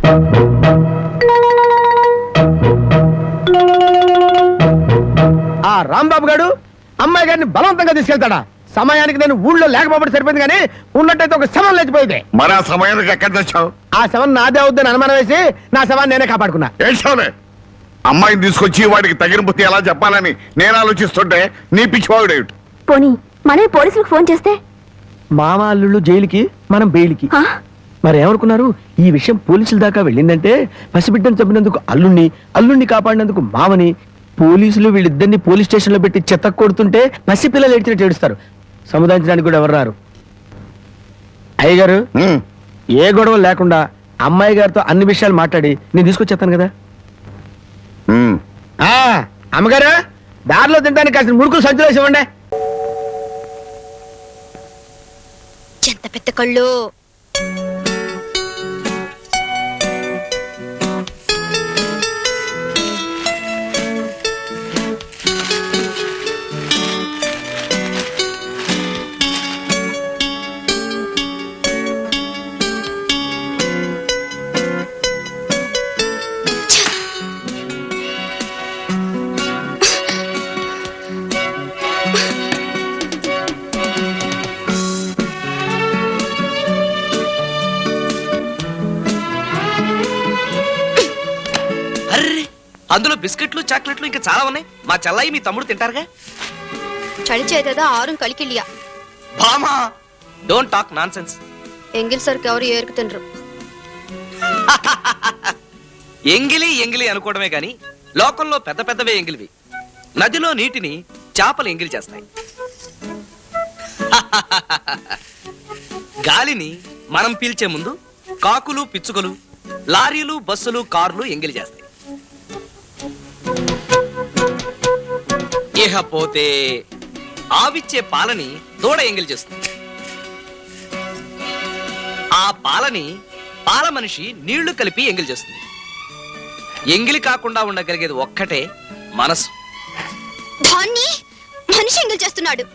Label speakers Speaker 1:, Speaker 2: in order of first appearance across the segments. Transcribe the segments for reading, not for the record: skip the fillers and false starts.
Speaker 1: ఆ రాంబాబు గారు అమ్మాయి గారిని బలవంతంగా తీసుకెళ్తాడా? సమయానికి నేను ఊళ్ళో లేకపోతే సరిపోయింది, కానీ ఉన్నట్టయితే ఒక శవం లేచిపోయింది.
Speaker 2: మరి ఆ సమయానికి ఎక్కడ తెచ్చావు?
Speaker 1: ఆ శవం నాదే అవుద్దని అనుమానం వేసి నా శవాన్ని నేనే కాపాడుకున్నా.
Speaker 2: ఏడ్చావులే. అమ్మాయిని తీసుకొచ్చి వాడికి తగిన బుద్ధి ఎలా చెప్పాలని నేను ఆలోచిస్తుంటే నీ పిచ్చివాడు ఏమిటి?
Speaker 3: పోనీ మనమే పోలీసులకు ఫోన్ చేస్తే?
Speaker 1: మామ అల్లుళ్ళు జైలుకి, మనం బెయిల్కి. మరి ఏమనుకున్నారు? ఈ విషయం పోలీసుల దాకా వెళ్ళిందంటే పసిబిడ్డను చంపినందుకు అల్లుణ్ణి కాపాడినందుకు మామని, పోలీసులు వీళ్ళిద్దరిని పోలీస్ స్టేషన్ లో పెట్టి చెత్త కొడుతుంటే పసిపిల్లలు ఏడ్చినట్టు ఏడుస్తారు. సముదాయించడానికి కూడా ఎవరు రారు. అయ్యగారు, ఏ గొడవ లేకుండా అమ్మాయి గారితో అన్ని విషయాలు మాట్లాడి నేను తీసుకొచ్చేస్తాను కదా. అమ్మగారు, దారిలో తింటానికి కాసిన మురుకులు సంచులు వేసి ఇవ్వండి.
Speaker 3: ఎంత పెద్ద కళ్ళు!
Speaker 4: అందులో బిస్కెట్లు, చాక్లెట్లు ఇంకా చాలా ఉన్నాయి. మా చెల్లాయి మీ తమ్ముడు తింటారుగా.
Speaker 3: చలి చేతదా ఆరుం కలికిలియా.
Speaker 4: బామా, డోంట్ టాక్ నాన్సెన్స్.
Speaker 3: ఎంగిల్ సరికి ఎవరు ఏరుకు తినరు.
Speaker 4: ఎంగిలి అనుకోవడమే గాని లోకంలో పెద్ద పెద్దవే ఎంగిలివి. నదిలో నీటిని చేపలు ఎంగిలి చేస్తాయి. గాలిని మనం పీల్చే ముందు కాకులు, పిచ్చుకలు, లారీలు, బస్సులు, కార్లు ఎంగిలి చేస్తాయి. ఇకపోతే ఆవిచ్చే పాలని దూడ ఎంగిలి చేస్తుంది. ఆ పాలని పాల మనిషి నీళ్లు కలిపి ఎంగిలి చేస్తుంది. ఎంగిలి కాకుండా ఉండగలిగేది ఒక్కటే మనసు.
Speaker 3: దాన్ని మనిషి ఎంగిలి చేస్తున్నాడు.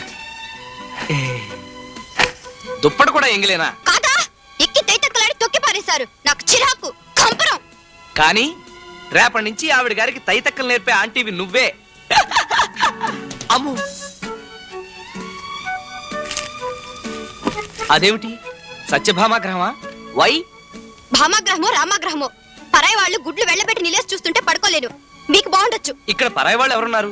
Speaker 4: దుప్పటి కూడా ఎంగిలేనా?
Speaker 3: కాదా, ఎక్కి తైతక్కలాడి తొక్కి పారేశారు. నాకు చిరాకు, కంపరం.
Speaker 4: కానీ రేపటి నుంచి ఆవిడ గారికి తైతక్కలు నేర్పే ఆంటీవి నువ్వే. అమ్ము, అదేమిటి సత్యభామాగ్రహమా? వై?
Speaker 3: భామాగ్రహమో రామాగ్రహమో, పరాయి వాళ్ళు గుడ్లు వెళ్ళబెట్టి నిలేసి చూస్తుంటే పడుకోలేను. మీకు బాగుండొచ్చు.
Speaker 4: ఇక్కడ పరాయి వాళ్ళు ఎవరున్నారు?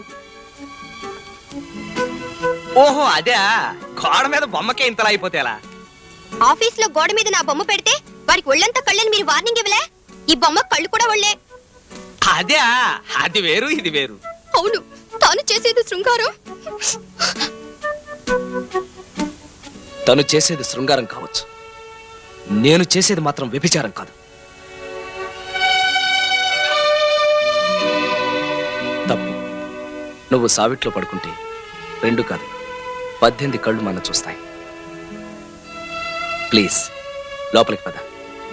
Speaker 4: ఓహో, అదే. గోడ మీద బొమ్మకే ఇంతలా అయిపోతే ఎలా?
Speaker 3: ఆఫీస్ లో గోడ మీద నా బొమ్మ పెడితే వారికి ఒళ్ళంతా కళ్ళని మీరు వార్నింగ్ ఇవ్వలే? ఈ బొమ్మ కళ్ళు కూడా ఒళ్ళే.
Speaker 4: అదే, అది వేరు ఇది వేరు.
Speaker 3: అవును, తాను చేసేది శృంగారం.
Speaker 4: తను చేసేది శృంగారం కావచ్చు, నేను చేసేది మాత్రం వ్యభిచారం కాదు. తప్పు. నువ్వు సావిట్లో పడుకుంటే 2 కాదు 18 కళ్ళు మన చూస్తాయి. ప్లీజ్ లోపలికి పద.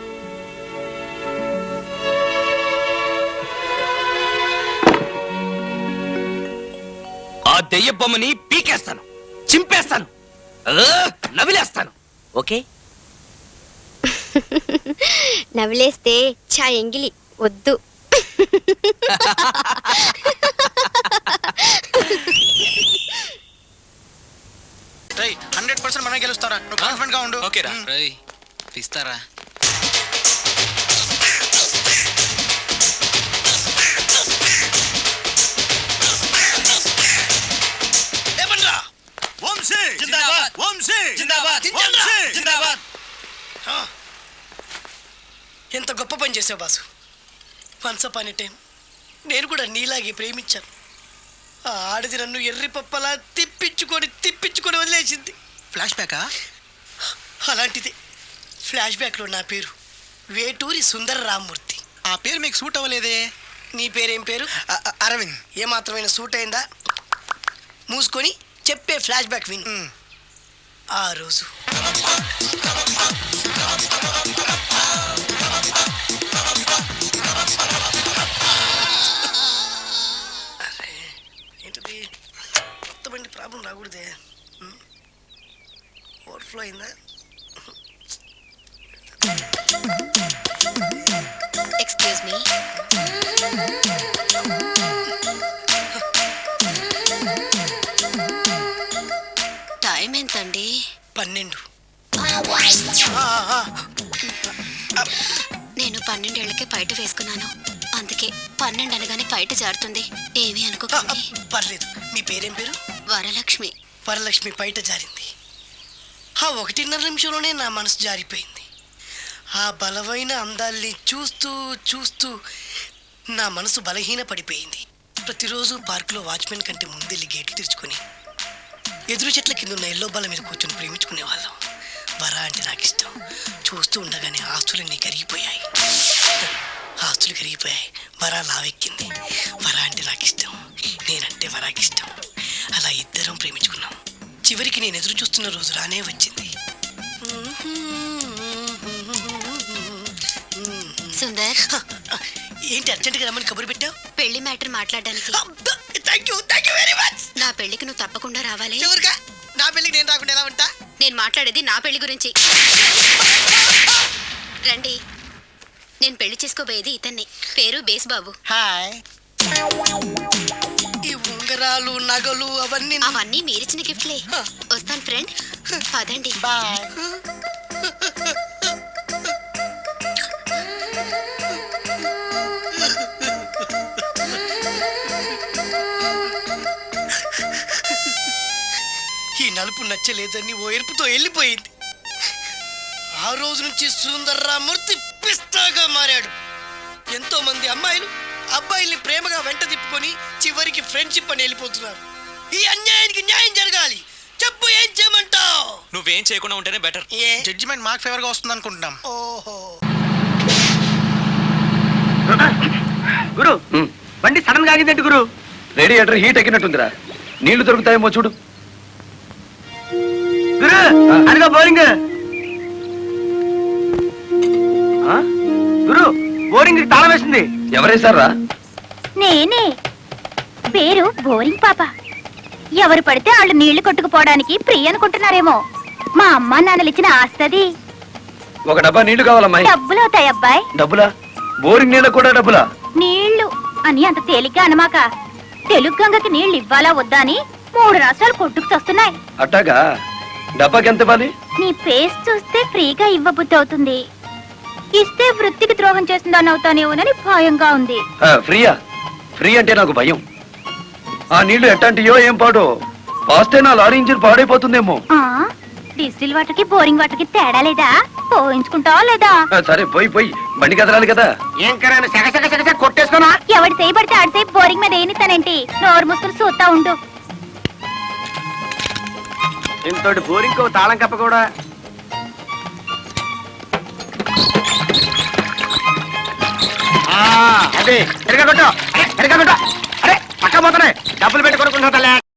Speaker 4: ఆ దెయ్య బొమ్మని పీకేస్తాను, చింపేస్తాను, నవిలేస్తాను. ఓకే?
Speaker 3: నవిలేస్తే చా ఎంగిలి వద్దు.
Speaker 5: 100% మనమే గెలుస్తారా? నువ్వు కాన్ఫిడెంట్ గా ఉండు.
Speaker 6: ఓకేరా? రేయ్ పిస్తారా?
Speaker 7: ఎంత గొప్ప పని చేసావు boss. Once upon a time నేను కూడా నీలాగే ప్రేమించాను. ఆ ఆడది నన్ను ఎర్రి పప్పలా తిప్పించుకొని వదిలేసింది.
Speaker 5: ఫ్లాష్ బ్యాకా?
Speaker 7: అలాంటిది. ఫ్లాష్ బ్యాక్లో నా పేరు వేటూరి సుందర రామ్మూర్తి.
Speaker 5: ఆ పేరు మీకు సూట్ అవ్వలేదే.
Speaker 7: నీ పేరేం పేరు?
Speaker 5: అరవింద్.
Speaker 7: ఏమాత్రమైన సూట్ అయిందా? మూసుకొని చెప్పే ఫ్లాష్ బ్యాక్ విను. ఆ రోజు ఏంటిది? కొత్త బండి ప్రాబ్లం రాకూడదే. ఓవర్ఫ్లో అయిందా?
Speaker 3: ఎక్స్క్యూజ్ మీ టైం ఎంతండి?
Speaker 7: 12.
Speaker 3: నేను 12 ఏళ్లకే పైట వేసుకున్నాను. అందుకే 12 అనగానే పైట జారుతుంది. ఏమీ అనుకోకండి.
Speaker 7: పర్లేదు. మీ పేరేం పేరు?
Speaker 3: వరలక్ష్మి.
Speaker 7: వరలక్ష్మి పైట జారింది. ఆ 1.5 నిమిషంలోనే నా మనసు జారిపోయింది. ఆ బలమైన అందాల్ని చూస్తూ చూస్తూ నా మనసు బలహీన పడిపోయింది. ప్రతిరోజు పార్కులో వాచ్మెన్ కంటే ముందెళ్ళి గేట్లు తెరుచుకొని ఎదురు చెట్ల కింద ఉన్న ఎల్లో బాల మీద కూర్చొని ప్రేమించుకునే వాళ్ళం. వరా అంటే నాకు ఇష్టం. చూస్తూ ఉండగానే ఆస్తులన్నీ కరిగిపోయాయి. ఆస్తులు కరిగిపోయాయి. వరా లావెక్కింది. వరా అంటే నాకు ఇష్టం, నేనంటే వరాకి ఇష్టం. అలా ఇద్దరం ప్రేమించుకున్నాం. చివరికి నేను ఎదురు చూస్తున్న రోజు రానే వచ్చింది.
Speaker 3: సుందర్,
Speaker 7: ఏంటి అర్జెంట్గా రమ్మని కబురు పెట్టావు?
Speaker 3: పెళ్లి మ్యాటర్ మాట్లాడడానికి.
Speaker 7: Thank you very much.
Speaker 3: నా పెళ్లికి నువ్వు తప్పకుండా రావాలి.
Speaker 7: ఎవరుగా? నా పెళ్ళికి నేను రాకుండా ఎలా ఉంటా?
Speaker 3: నేను మాట్లాడేది నా పెళ్లి గురించి. రండి. నేను పెళ్లి చేసుకోబోయేది ఇతన్ని. పేరు బేస్బాబు.
Speaker 7: హాయ్. ఈ ఉంగరాలు నగలు
Speaker 3: అవన్నీ మీరిచ్చిన గిఫ్ట్లే. వస్తాను ఫ్రెండ్. పదండి.
Speaker 7: బాయ్. ఈ నలుపు నచ్చలేదని ఓ ఎరుపుతో వెళ్ళిపోయింది. ఆ రోజు నుంచి సుందర్రామూర్తి పిస్తాగా మారాడు. ఎంతో మంది అమ్మాయిలు అబ్బాయిల్ని ప్రేమగా వెంట తిప్పుకొని చివరికి ఫ్రెండ్షిప్ అని వెళ్ళిపోతున్నారు. ఈ అన్యాయానికి న్యాయం జరగాలి. చెప్పు, ఏం చేయమంటావు?
Speaker 6: నువ్వేం చేయకుండా ఉంటేనే బెటర్.
Speaker 5: జడ్జిమెంట్ మాకు ఫేవర్ గా వస్తుంది అనుకుంటున్నాం.
Speaker 7: ఓహో.
Speaker 1: గురు బండి సడన్ గా ఆగిందంటే గురు. Radiator heat ఎక్కినట్టుందిరా. నీళ్లు దొరుకుతాయేమో చూడు. గురు అదిగా బోరింగ్. గురు బోరింగ్ తాళం వేసింది. ఎవరేసారా?
Speaker 8: నేనే. పేరు బోరింగ్ పాప. ఎవరు పడితే వాళ్ళు నీళ్లు కొట్టుకుపోవడానికి ఫ్రీ అనుకుంటున్నారేమో. మా అమ్మ నాన్నలు ఇచ్చిన ఆస్తది.
Speaker 1: ఒక డబ్బా నీళ్లు కావాలమ్మాయి.
Speaker 8: డబ్బులు అవుతాయి అబ్బాయి.
Speaker 1: డబ్బులా? బోరింగ్ నీళ్ళకు కూడా డబ్బులా?
Speaker 8: నీళ్లు అని అంత తేలిగ్గా అనమాక. తెలుగు గంగకి నీళ్లు ఇవ్వాలా వద్దా అని 3 రాష్ట్రాలు కొట్టుకు వస్తున్నాయి.
Speaker 1: అట్టాగా? డబ్బాకి ఎంత ఇవ్వాలి?
Speaker 8: నీ ఫేస్ చూస్తే ఫ్రీగా ఇవ్వబుద్ధి అవుతుంది. ఇస్తే వృత్తికి ద్రోహం చేస్తుందని అవుతానేమోనని భయంగా ఉంది.
Speaker 1: ఫ్రీయా? ఫ్రీ అంటే నాకు భయం. ఆ నీళ్లు ఎట్టంటియో ఏం పాడో. పాస్తే నా లారీ ఇంజిన్ పాడైపోతుందేమో.
Speaker 8: డిస్టిల్ వాటర్ కి బోరింగ్ వాటర్ కి తేడా లేదా? పోయించుకుంటావా లేదా?
Speaker 1: సరే పోయి బండి కదలాలి కదా. ఏం కరా కొట్టేసుకోనా?
Speaker 8: ఎవడు చేయబడితే ఆడి సేపు బోరింగ్ మీద ఏనిస్తానేంటి? నోరు ముసులు చూస్తా ఉండు.
Speaker 1: ఇంతటి బోరింగ్ తాళం కప్ప కూడా. అదే ఎరగొట్టు. అరే పక్క పోతున్నాయి. డబ్బులు పెట్టి కొనుక్కుంటా.